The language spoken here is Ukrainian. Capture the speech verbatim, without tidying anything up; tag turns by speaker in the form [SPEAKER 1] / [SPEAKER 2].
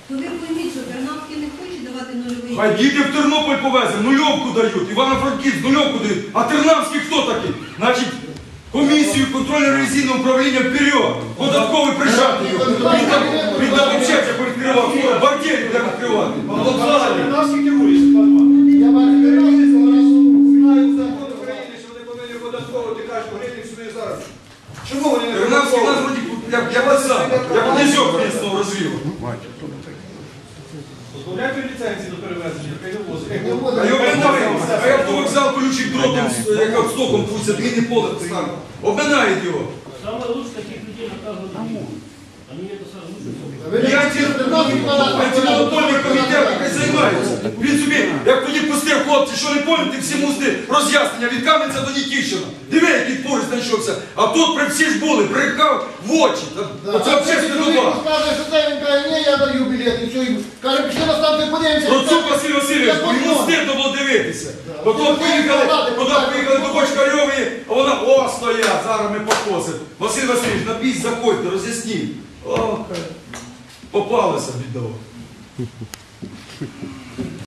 [SPEAKER 1] То ви пойміть, що Тернавський не хоче давати нульовий.
[SPEAKER 2] Хай діти в Тернопіль повезли, нульовку дають, Івано-Франківськ нульовку дають. А Тернавський хто такий? Значить, комісію контрольно-ревізійного управління вперед. Податковий прижати його. Він там, він там взагалі як відкривав, бартєрів як відкривати.
[SPEAKER 3] Тернавський керує, Світлана Іванівна. Я бачу, Тернавський знаю закон України, що вони повинні податковувати кожну гривню собі зараз. Чому вони не
[SPEAKER 2] Тернавський нас вроді, як, як сам, як князьок місного розвів.
[SPEAKER 3] Позбавляйте ліцензії до перевезення, хай не возить.
[SPEAKER 2] А його обминають, а як вокзал колючий дротом, як стоком пусть, длинний поле стане. Обминають його.
[SPEAKER 4] Самое лучшее таких людей наказывать домой. Они это сразу лучше.
[SPEAKER 2] Я антимонопольний комітет, який займається. Він собі, як тоді пустив хлопці, що не пам'ятаєте, всі мусти роз'яснення від Кам'янця до Нікіщина. Диви, який поруч знайшовся. А тут при всі ж були, прикав в очі. Оце общественна доба.
[SPEAKER 5] Скаже, що це він каже, ні, я даю білет, і все, і каже, пішли на станцію, подивимося.
[SPEAKER 2] Процук Василь Васильович, бо йому стидно було дивитися. Потім поїхали, туди поїхали до Бочкарьової, а вона, о, стоять, зараз ми покосимо. Василь Васильович, на біс заходьте, роз'ясніть. О, попалися, бідово.